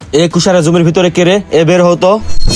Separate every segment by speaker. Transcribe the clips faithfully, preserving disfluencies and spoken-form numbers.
Speaker 1: এ কুষারের জমির ভিতরে কে রে? এ বের হতো।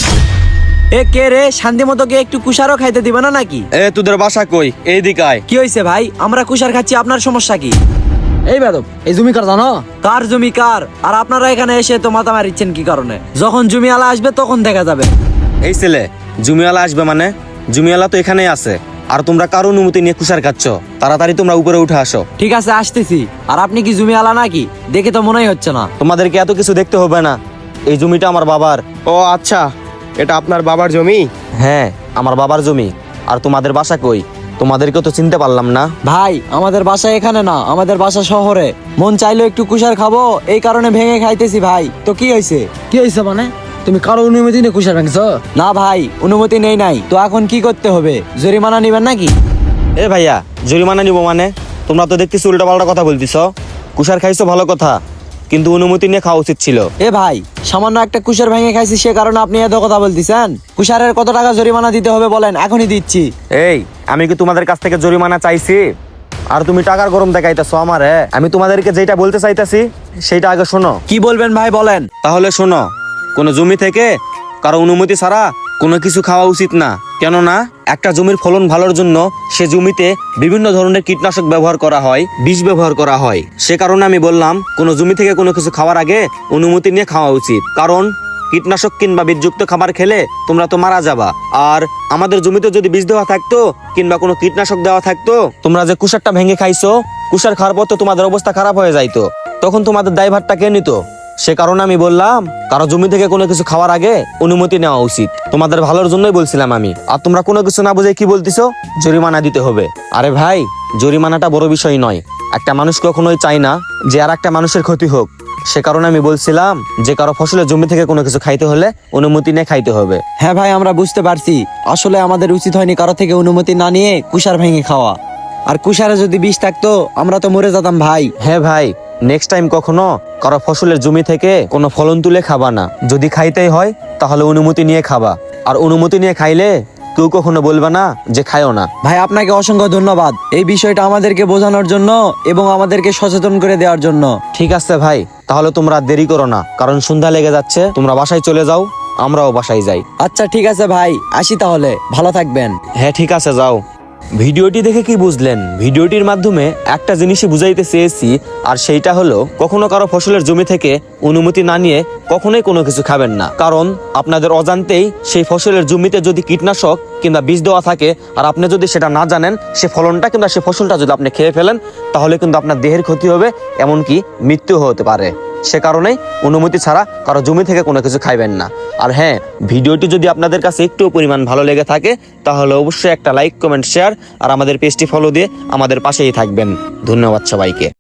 Speaker 2: এ কে রে? শান্তি মতো কে একটু কুষারও খাইতে দিবে না নাকি?
Speaker 1: এ তোদের বাসা কই? এই দিকায়।
Speaker 2: কি হয়েছে ভাই? আমরা কুষার খাচ্ছি, আপনার সমস্যা কি?
Speaker 3: এই বেদব, এই জমি কার জানো?
Speaker 2: কার জমি কার? আর আপনারা এখানে এসে তো মাথা মারিচ্ছেন কি কারণে? যখন জমি আলা আসবে তখন দেখা যাবে।
Speaker 1: এই ছেলে, জমিওয়ালা আসবে মানে? জমিওয়ালা তো এখানেই আছে। আর তোমরা কার অনুমতি নিয়ে কুষার খাচ্ছ? তাড়াতাড়ি তোমরা উপরে উঠে আসো।
Speaker 2: ঠিক আছে, আসতেছি। আর আপনি কি জমি আলা নাকি? দেখে তো মনেই হচ্ছে না।
Speaker 1: তোমাদেরকে এত কিছু দেখতে হবে না, এই জমিটা আমার বাবার।
Speaker 4: ও আচ্ছা, এটা আপনার বাবার জমি?
Speaker 1: হ্যাঁ, আমার বাবার জমি। আর তোমাদের বাসা কই? তোমাদেরকে তো চিনতে পারলাম না।
Speaker 2: ভাই, আমাদের বাসা এখানে না, আমাদের বাসা শহরে। মন চাইলো একটু কুষার খাবো, এই কারণে ভেঙে খাইতেছি ভাই। তো কি হয়েছে?
Speaker 3: কি হয়েছে মানে? তুমি কারো অনুমতি নিয়ে কুষার ভাঙছো?
Speaker 2: না ভাই, অনুমতি নেই নাই। তো এখন কি করতে হবে? জরিমানা নিবেন নাকি?
Speaker 1: এ ভাইয়া, জরিমানা নিব মানে? তোমরা তো দেখতেছি উল্টা পাল্টা কথা বলতেছ। কুষার খাইছো ভালো কথা, কিন্তু অনুমতি নিয়ে খাওয়া উচিত ছিল।
Speaker 2: এ ভাই, সামান্য একটা কুষার ভেঙে খাইছি সে কারণে আপনি এত কথা বলতেছেন? কুষারের কত টাকা জরিমানা দিতে হবে বলেন, এখনই দিচ্ছি।
Speaker 1: এই, আমি কি তোমাদের কাছ থেকে জরিমানা চাইছি? আর তুমি টাকার গরম দেখাইতেছো আমারে। আমি তোমাদেরকে যেটা বলতে চাইতাছি সেইটা আগে শোনো।
Speaker 2: কি বলবেন ভাই, বলেন।
Speaker 1: তাহলে শোনো, কোনো জমি থেকে কারো অনুমতি ছাড়া কোনো কিছু খাওয়া উচিত না। কেননা একটা জমির ফলন ভালোর জন্য সে জমিতে বিভিন্ন ধরনের কীটনাশক ব্যবহার করা হয়, বিষ ব্যবহার করা হয়। সে কারণে আমি বললাম, কোনো জমি থেকে কোনো কিছু খাওয়ার আগে অনুমতি নিয়ে খাওয়া উচিত। কারণ কীটনাশক কিংবা বীজযুক্ত খাবার খেলে তোমরা তো মারা যাবা। আর আমাদের জমিতে যদি বীজ দেওয়া থাকতো কিংবা কোনো কীটনাশক দেওয়া থাকতো, তোমরা যে কুষারটা ভেঙে খাইছো, কুষার খাওয়ার পর তো তোমাদের অবস্থা খারাপ হয়ে যাইতো। তখন তোমাদের দায়ভারটা কে নিত? সে কারণে আমি বললাম, কারো জমি থেকে কোনো কিছু খাওয়ার আগে অনুমতি নেওয়া উচিত। তোমাদের ভালোর জন্যই বলছিলাম আমি। আর তোমরা কোনো কিছু না বুঝে কি বলতেছো, জরিমানা দিতে হবে। আরে ভাই, জরিমানাটা বড় বিষয় নয়। একটা মানুষ কখনোই চায় না যে আর একটা মানুষের ক্ষতি হোক। সে কারণে আমি বলছিলাম যে কারো ফসলের জমি থেকে কোনো কিছু খাইতে হলে অনুমতি নিয়ে খাইতে হবে।
Speaker 2: হ্যাঁ ভাই, আমরা বুঝতে পারছি। আসলে আমাদের উচিত হয়নি কারো থেকে অনুমতি না নিয়ে কুষার ভেঙে খাওয়া। আর কুষারে যদি বিষ থাকতো আমরা তো মরে যেতাম ভাই।
Speaker 1: হ্যাঁ ভাই, নেক্সট টাইম কখনো কারো ফসলের জমি থেকে কোনো ফলন তুলে খাবা না। যদি খাইতেই হয় তাহলে অনুমতি নিয়ে খাবা। আর অনুমতি নিয়ে খাইলে কেউ কখনো বলবে না যে খায়ও না।
Speaker 2: ভাই, আপনাকে অসংখ্য ধন্যবাদ এই বিষয়টা আমাদেরকে বোঝানোর জন্য এবং আমাদেরকে সচেতন করে দেওয়ার জন্য।
Speaker 1: ঠিক আছে ভাই, তাহলে তোমরা আর দেরি করো না, কারণ সন্ধ্যা লেগে যাচ্ছে। তোমরা বাসায় চলে যাও, আমরাও বাসায় যাই।
Speaker 2: আচ্ছা ঠিক আছে ভাই, আসি তাহলে। ভালো থাকবেন।
Speaker 1: হ্যাঁ ঠিক আছে, যাও। ভিডিওটি দেখে কি বুঝলেন? ভিডিওটির মাধ্যমে একটা জিনিসই বুঝাইতে চেয়েছি, আর সেইটা হলো কখনো কারো ফসলের জমি থেকে অনুমতি না নিয়ে কখনোই কোনো কিছু খাবেন না। কারণ আপনাদের অজান্তেই সেই ফসলের জমিতে যদি কীটনাশক কিংবা বীজ দেওয়া থাকে, আর আপনি যদি সেটা না জানেন, সে ফলনটা কিংবা সে ফসলটা যদি আপনি খেয়ে ফেলেন, তাহলে কিন্তু আপনার দেহের ক্ষতি হবে, এমনকি মৃত্যু হতে পারে। সে কারণেই অনুমতি ছাড়া কারো জমি থেকে কোনো কিছু খাইবেন না। আর হ্যাঁ, ভিডিওটি যদি আপনাদের কাছে একটু পরিমাণ ভালো লেগে থাকে তাহলে অবশ্যই একটা লাইক, কমেন্ট, শেয়ার আর আমাদের পেজটি ফলো দিয়ে আমাদের পাশেই থাকবেন। ধন্যবাদ সবাইকে।